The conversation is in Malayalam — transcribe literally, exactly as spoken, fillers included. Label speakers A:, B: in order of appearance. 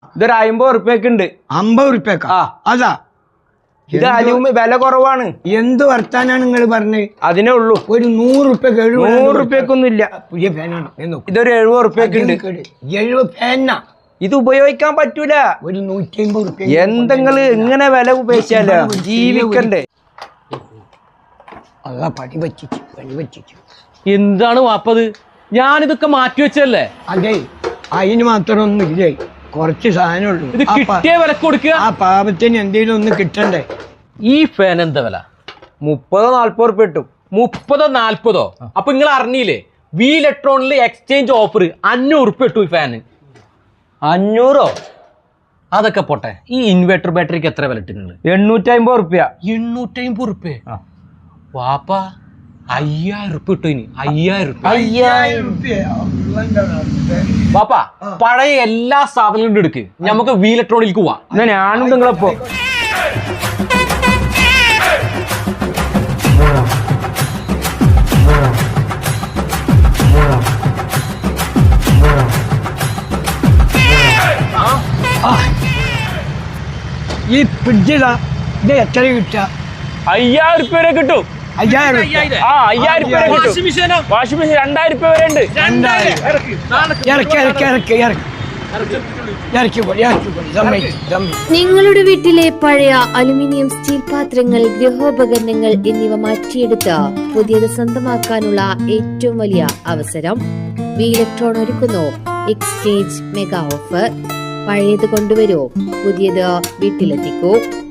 A: ഇതൊരു അമ്പത് ഉറുപ്പ്യക്ക് ഉണ്ട്.
B: അമ്പത് ഉറുപ്പ്യക്ക? അതാ
A: ഇത് അലൂമി വില കുറവാണ്.
B: എന്ത് വർത്താനാണ് നിങ്ങൾ പറഞ്ഞത്?
A: അതിനേ ഉള്ളൂ.
B: ഒരു നൂറ് ഉറുപ്പ്യക്ക്
A: നൂറ് ഉറുപ്പ്യക്കൊന്നും ഇല്ല.
B: പുതിയ ഫാനാണ്.
A: ഇതൊരു എഴുപത് ഉറുപ്പ്യക്ക് ഉണ്ട്.
B: എഴുപത് ഫാനാ? ഇത്
A: ഉപയോഗിക്കാൻ പറ്റൂല.
B: ഒരു നൂറ്റി അമ്പത് ഉറുപ്പ്യ.
A: എന്തെങ്കിലും ഇങ്ങനെ വില ഉപയോഗിച്ചാലോ ജീവിക്കണ്ടേ?
B: അല്ല പടി പറ്റിച്ചു പടി പറ്റിച്ചു.
C: എന്താണ് വാപ്പത്? ഞാനിതൊക്കെ മാറ്റി വെച്ചല്ലേ.
B: അതെ, അതിന് മാത്രം ഒന്നും ഇല്ലേ, കുറച്ച് സാധനമുള്ളൂ.
C: ഇത് കിട്ടിയ വില കൊടുക്കുക.
B: ആ പാപത്തിന് എന്തെങ്കിലും ഒന്ന് കിട്ടണ്ടേ?
C: ഈ ഫാൻ എന്താ വില?
A: മുപ്പതോ നാല്പത് ഉറുപ്പ്യ കിട്ടും.
C: മുപ്പതോ നാല്പതോ? അപ്പൊ നിങ്ങൾ അറിഞ്ഞില്ലേ, വി ഇലക്ട്രോണിൽ എക്സ്ചേഞ്ച് ഓഫർ അഞ്ഞൂറ് ഉറുപ്പ്യ കിട്ടും ഈ ഫാന്.
A: അഞ്ഞൂറോ?
C: അതൊക്കെ പോട്ടെ, ഈ ഇൻവെർട്ടർ ബാറ്ററിക്ക് എത്ര വില ഇട്ടിട്ടുണ്ട്?
A: എണ്ണൂറ്റി അമ്പത് ഉറുപ്പ്യ.
C: എണ്ണൂറ്റി അമ്പത് ഉറുപ്പ്യ? വാപ്പ അയ്യായിരം ഉറുപ്പ്യ കിട്ടും. ഇനി അയ്യായിരം ഉറുപ്പ്യ.
B: അയ്യായിരം ഉറുപ്പ്യ
C: വാപ്പ പഴയ എല്ലാ സാധനങ്ങളും എടുക്ക്, നമുക്ക് വി ഇലക്ട്രോണിലേക്ക് പോവാം.
A: എന്നാ ഞാനും നിങ്ങളെപ്പോ
B: ഈ ഫ്രിഡ്ജിലാ ഇത് എത്ര കിട്ടുക?
A: അയ്യായിരം ഉറുപ്പ്യ വരെ കിട്ടും.
B: അയ്യായിരം
A: ആ അയ്യായിരം ഉറുപ്പ്യ വരെ കിട്ടും. വാഷിംഗ് മെഷീൻ രണ്ടായിരം ഉറുപ്പ്യ വരെ ഉണ്ട്.
B: ഇറക്കി ഇറക്കി ഇറക്കി ഇറക്കി
D: നിങ്ങളുടെ വീട്ടിലെ പഴയ അലുമിനിയം സ്റ്റീൽ പാത്രങ്ങൾ, ഗൃഹോപകരണങ്ങൾ എന്നിവ മാറ്റിയെടുത്ത് പുതിയത് സ്വന്തമാക്കാനുള്ള ഏറ്റവും വലിയ അവസരം വി ഇലക്ട്രോൺ ഒരുക്കുന്നു. Exchange mega offer. പഴയത് കൊണ്ടുവരൂ, പുതിയത് വീട്ടിലെത്തിക്കൂ.